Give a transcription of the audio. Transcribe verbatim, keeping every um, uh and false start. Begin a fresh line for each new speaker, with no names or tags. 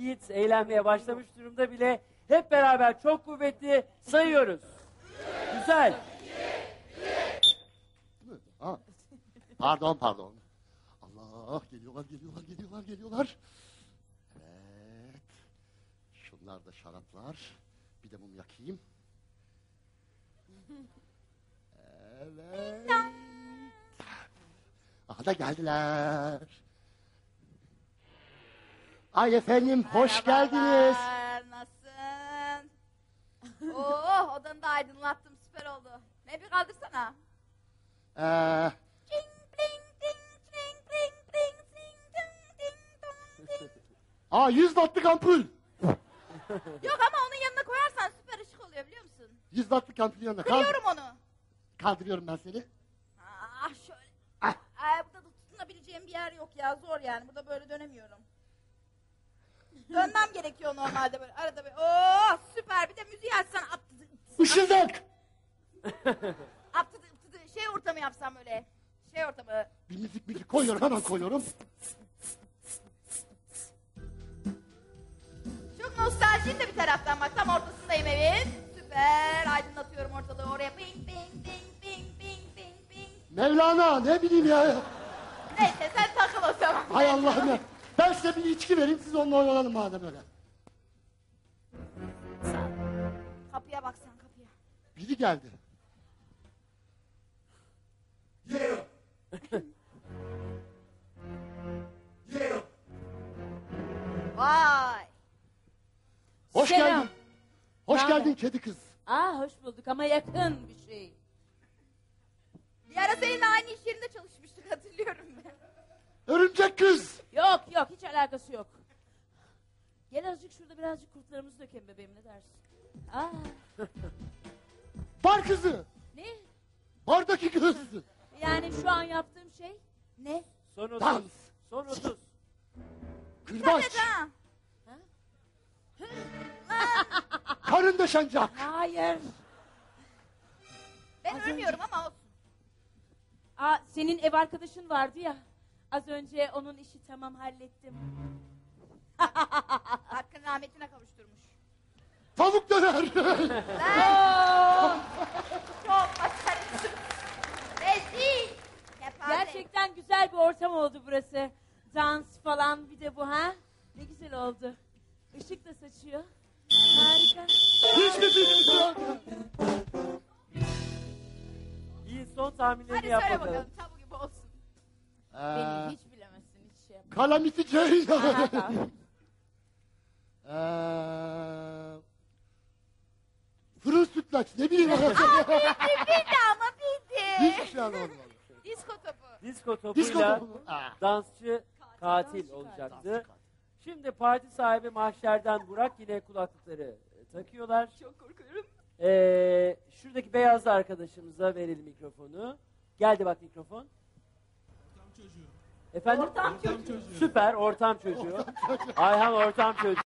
Yiğit eğlenmeye başlamış durumda bile. Hep beraber çok kuvvetli sayıyoruz. Güzel.
Ha. Pardon pardon. Allah, geliyorlar geliyorlar geliyorlar geliyorlar. Evet. Şunlar da şaraplar. Bir de mum yakayım. Evet. Aha da geldiler. Ay efendim, hoş geldiniz.
Nasılsın? Oh, odanı da aydınlattım, süper oldu. Ne bir kaldırsana.
Ee,
Çing, pling, ting, çing, pling, pling, ting, ting, ting, tong, ting.
aa yüz wattlık ampul.
Yok ama onun yanına koyarsan süper ışık oluyor biliyor musun?
yüz wattlık ampulün yanına. Kaldır-
Kırıyorum onu.
Kaldırıyorum ben seni.
Ah şöyle.
Ah.
Ay, burada da tutunabileceğim bir yer yok ya, zor yani. Burada böyle dönemiyorum. Dönmem gerekiyor normalde böyle. Arada böyle. Oo süper. Bir de müziği açsan at.
Işıldak.
At, şey ortamı yapsam böyle. Şey ortamı.
Bir müzik müzik koyuyorum, hemen koyuyorum.
Çok nostaljiyim de bir taraftan bak. Tam ortasındayım evin. Süper. Aydınlatıyorum ortalığı. Oraya ping ping ping ping ping ping ping.
Mevlana, ne bileyim ya.
Neyse sen takıl o zaman.
Hay Allah'ım ya. Ben size bir içki vereyim, siz onunla oynanın madem öyle.
Kapıya baksan kapıya.
Biri geldi.
Yeah. Yeah.
Vay.
Hoş
Selam.
geldin. Hoş
Naber?
geldin kedi kız.
Aa hoş bulduk ama yakın bir şey.
Bir ara seninle aynı iş yerinde çalışmıştık, hatırlıyorum ben.
Örümcek kız.
Yok yok hiç alakası yok. Gel azıcık şurada birazcık kurtlarımızı dökelim bebeğim, ne dersin? Aa
Bar kızı.
ne?
Bardaki kız.
Yani şu an yaptığım şey ne?
Son otuz.
Dans.
Son otuz.
Kırbaç.
Evet ha.
Karın döşencak.
Hayır.
Ben ölmüyorum ama olsun.
Aa senin ev arkadaşın vardı ya. Az önce onun işi tamam, hallettim.
Hakkın rahmetine kavuşturmuş.
Tavuk döner.
Lan! Çok başarısız. Rezil. Kepaze.
Gerçekten güzel bir ortam oldu burası. Dans falan, bir de bu ha. Ne güzel oldu. Işık da saçıyor. Harika.
Hiç mi bilmiyorum.
İyi, son tahminlerini
Hadi
yap
söyle
bakalım.
bakalım, tabu gibi olsun.
Beni
Ee,
hiç bilemezsin, hiç şey yapma.
Kalamity
Aha,
Jane.
tamam.
Ee, Fırın sütlaç, ne bileyim.
Bildi ama bildi.
Hiçbir şey anlamadım.
Disko topu.
Disko topuyla
Disko topu mu? Aa.
dansçı katil
dansçı
olacaktı. Şimdi parti sahibi Mahşer'den Burak yine kulaklıkları e, takıyorlar.
Çok korkuyorum.
Ee, şuradaki beyazlı arkadaşımıza verelim mikrofonu. Geldi bak mikrofon.
Ortam çocuğu.
Efendim?
Ortam
Ortam çocuğu.
Süper, ortam çocuğu. Ayhan ortam çocuğu.